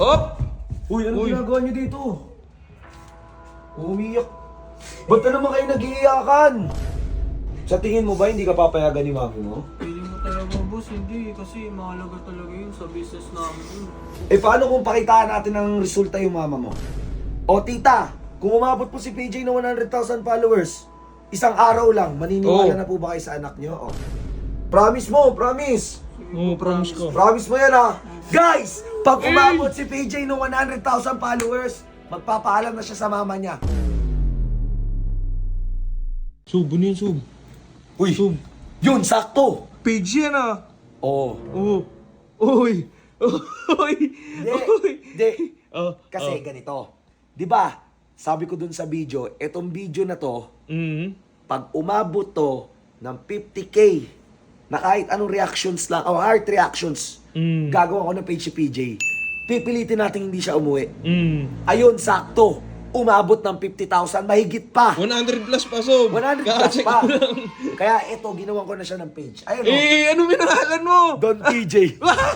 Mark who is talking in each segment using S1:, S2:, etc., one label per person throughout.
S1: Op!
S2: Uy, ano
S1: Uy.
S2: ginagawa niyo dito? Umiyak. Ba't na naman kayo nag-iiyakan? Sa tingin mo ba hindi ka papayagan ni mami mo?
S3: Feeling mo talaga, boss, hindi. Kasi mahalaga talaga yun sa business namin.
S2: Eh paano kung pakitaan natin ng resulta yung mama mo? O tita, kung umabot po si PJ ng 100,000 followers, isang araw lang, maniniwala
S1: Oh.
S2: na po ba kayo sa anak niyo? O. Promise mo, promise.
S1: Oo, promise ko.
S2: Promise mo yan ha. Guys, pag umabot si PJ ng 100,000 followers, magpapaalam na siya sa mama niya.
S1: Sub, ano yun, Sub?
S2: Uy,
S1: Sub.
S2: yun, sakto.
S1: Page yan ah.
S2: Oo.
S1: Oo. Uy. Uy. Uy.
S2: Hindi.
S1: Oh,
S2: Kasi ganito. 'Di ba? Sabi ko dun sa video, etong video na to, pag umabot to ng 50k, na kahit anong reactions lang, o heart reactions, gagawa ko ng page si PJ. Pipilitin natin hindi siya umuwi. Ayun, sakto. Umabot ng 50,000, mahigit pa.
S1: 100 plus pa, Sob.
S2: 100 plus
S1: Kaka-check
S2: pa.
S1: ko lang.
S2: Kaya ito, ginawa ko na siya ng page. Ayun o.
S1: Eh, ano minangalan mo?
S2: Don PJ.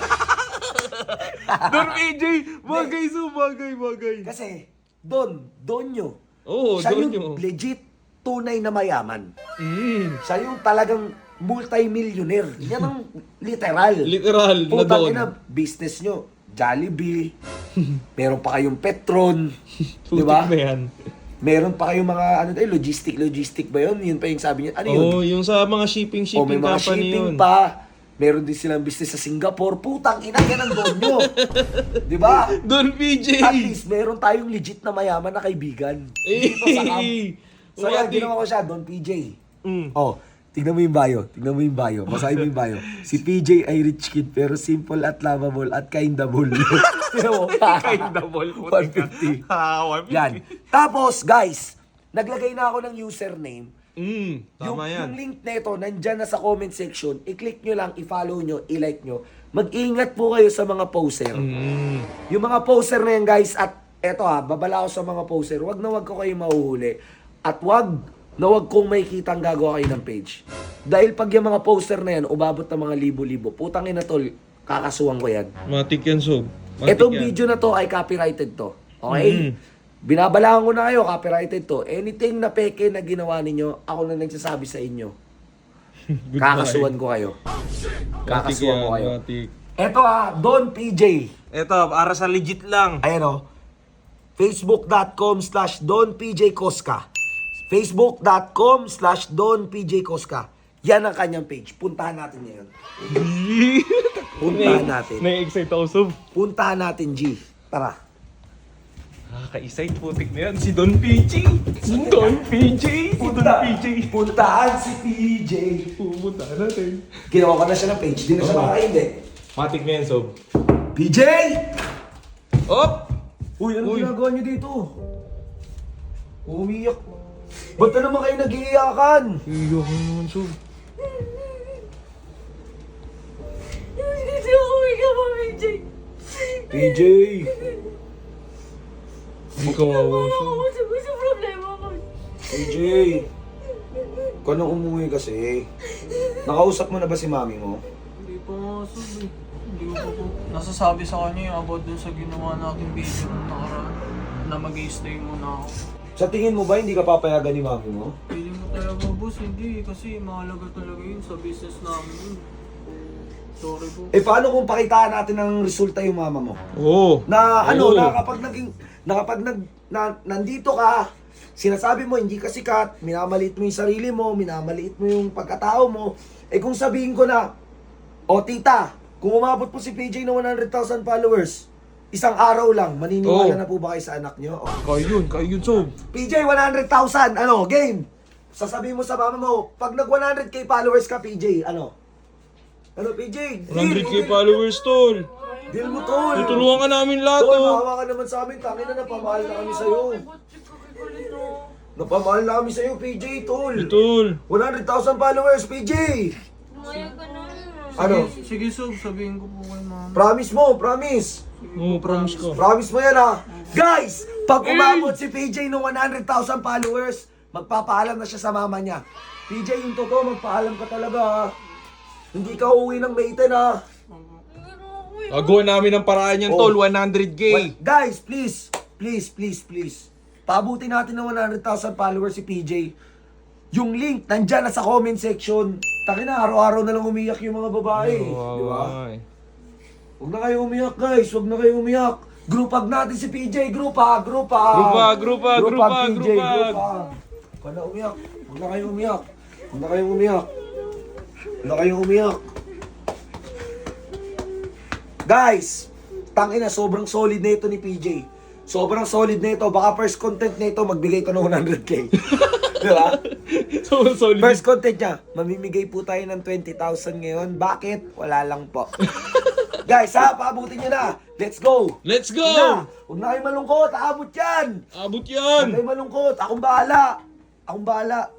S1: Don PJ. Bagay, Sob. Bagay.
S2: Kasi, Donyo.
S1: Oo,
S2: Siya
S1: Donyo.
S2: yung legit tunay na mayaman.
S1: Mm.
S2: Siya yung talagang multi-millionaire. Yan ang literal.
S1: Literal na
S2: Putang
S1: Don.
S2: ina, business nyo. Jollibee. Meron pa kayong Petron. Di ba?
S1: Putik na yan.
S2: Meron pa kayong mga ano tayo, logistic ba yun? Yun pa yung sabi niya. Ano yun?
S1: Oo, yung sa mga
S2: O
S1: shipping
S2: may mga
S1: company
S2: shipping
S1: yun.
S2: pa. Meron din silang business sa Singapore. Putang ina, yan ang don nyo. Di ba?
S1: Don PJ.
S2: At least, meron tayong legit na mayaman na kaibigan. Dito sa camp. So yan,
S1: Wati.
S2: ginawa ko siya, Don PJ.
S1: Mm.
S2: Oh, tignan mo yung bio. Basahin mo yung bio. Si PJ ay rich kid pero simple at lovable at kindable. Tignan mo.
S1: Kindable, putik ka.
S2: 150. Yan. Tapos, guys, naglagay na ako ng username.
S1: Tama yan.
S2: Yung link nito, nandyan na sa comment section. I-click nyo lang, i-follow nyo, i-like nyo. Mag-ingat po kayo sa mga poster. Yung mga poster na yan, guys, at eto babala ko sa mga poster, wag ko kayo mahuhuli. At wag kong makikita ang gagawa kayo ng page. Dahil pag yung mga poster na yan, umabot ng mga libo-libo, putang ina tol, kakasuhan ko yan.
S1: Matik yan, Sob. Matik
S2: Etong
S1: yan.
S2: video na to ay copyrighted to. Okay? Binabalaan ko na kayo, copyrighted to. Anything na peke na ginawa ninyo, ako na nagsasabi sa inyo. Kakasuhan ko kayo. Kakasuhan ko kayo.
S1: Matik.
S2: Eto Don PJ.
S1: Eto, para sa legit lang.
S2: Ayan Facebook.com/DonPJCosca. Facebook.com/DonPJCosca. Yan ang kanyang page. Puntahan natin ngayon. Puntahan natin.
S1: Na-excite ako, Sob.
S2: Puntahan natin, G. Tara.
S1: Nakaka-excite, putik na yan. Si Don PJ. Si Don PJ.
S2: Puntahan si PJ.
S1: Pumunta natin.
S2: Ginawa ko na siya ng page. Di na siya makakaindi.
S1: Matik na yan, Sob.
S2: PJ!
S1: Op!
S2: Uy, ano
S1: Uy.
S2: ginagawa niyo dito? Umiyak. Ba't na naman kayo nag-iiyakan?
S1: Iyak ka naman, Sob.
S4: Hindi ako umiga pa, PJ.
S2: PJ!
S1: Hindi ka wawa, Sob.
S4: Sa problema ko.
S2: PJ! Ikaw nang umuwi kasi. Nakausap mo na ba si mami mo?
S3: Hindi pa nga, Sob eh. Hindi ko pa po nasasabi sa kanya yung about dun sa ginawa nating video nung nakaraan. Na mag-i-stay muna ako.
S2: Sa tingin mo ba hindi ka papayagan ni mami mo?
S3: Feeling mo talaga, boss, hindi. Kasi mahalaga talaga yun sa business namin. Sorry po.
S2: Eh paano kung pakitaan natin ng resulta yung mama mo?
S1: Oo.
S2: Na ano,
S1: Oo.
S2: nandito ka, sinasabi mo hindi ka sikat, minamaliit mo yung sarili mo, minamaliit mo yung pagkatao mo. Eh kung sabihin ko na, o tita, kung umabot po si PJ ng 100,000 followers, isang araw lang, maniniwala
S1: Oo.
S2: na po ba kayo sa anak nyo? O.
S1: Kaya yun, Sob.
S2: PJ, 100,000, ano, game! Sasabihin mo sa mama mo, pag nag 100k followers ka, PJ, ano? Ano, PJ?
S1: 100k followers, Tol.
S2: Deal mo, tol!
S1: Tutulungan ka namin lahat,
S2: Tol,
S1: oh.
S2: maawa ka naman sa amin, tangin na napamahal na kami sa'yo. Napamahal na kami sa'yo, PJ, tol!
S1: Tol.
S2: 100,000 followers, PJ!
S4: Lumayag ka na.
S2: Ano?
S3: Sige, Sob, sabihin ko po kay mama.
S2: Promise mo, promise!
S1: Oo, promise ko.
S2: Promise mo yan, ha? Guys, pag umabot si PJ ng 100,000 followers, magpapaalam na siya sa mama niya. PJ, yung totoo, magpaalam ka talaga, ha? Hindi ka uuwi ng May 10, ha?
S4: Pero ako
S1: Gagawa namin ng paraan yan,
S2: Oh.
S1: tol. 100K.
S2: Guys, please. Paabutin natin ng 100,000 followers si PJ. Yung link, nandyan na sa comment section. Taki na, araw-araw na lang umiyak yung mga babae. Di ba? Huwag na kayo umiyak, guys. Huwag na kayo umiyak. Group hug natin si PJ. Group hug.
S1: Group hug.
S2: PJ, group hug. Huwag na umiyak. Huwag na kayong umiyak. Huwag na kayong umiyak. Huwag na kayong umiyak. Guys, tangina, sobrang solid na ito ni PJ. Sobrang solid na ito. Baka first content na ito, magbigay ito ng 100K. Di ba?
S1: So solid.
S2: First content niya, mamimigay po tayo ng 20,000 ngayon. Bakit? Wala lang po. Guys, ha, paabutin nyo na. Let's go.
S1: Let's go!
S2: Huwag na kayo malungkot. Aabot yan.
S1: Abot
S2: Huwag
S1: yan!
S2: kayo malungkot. Akong bahala.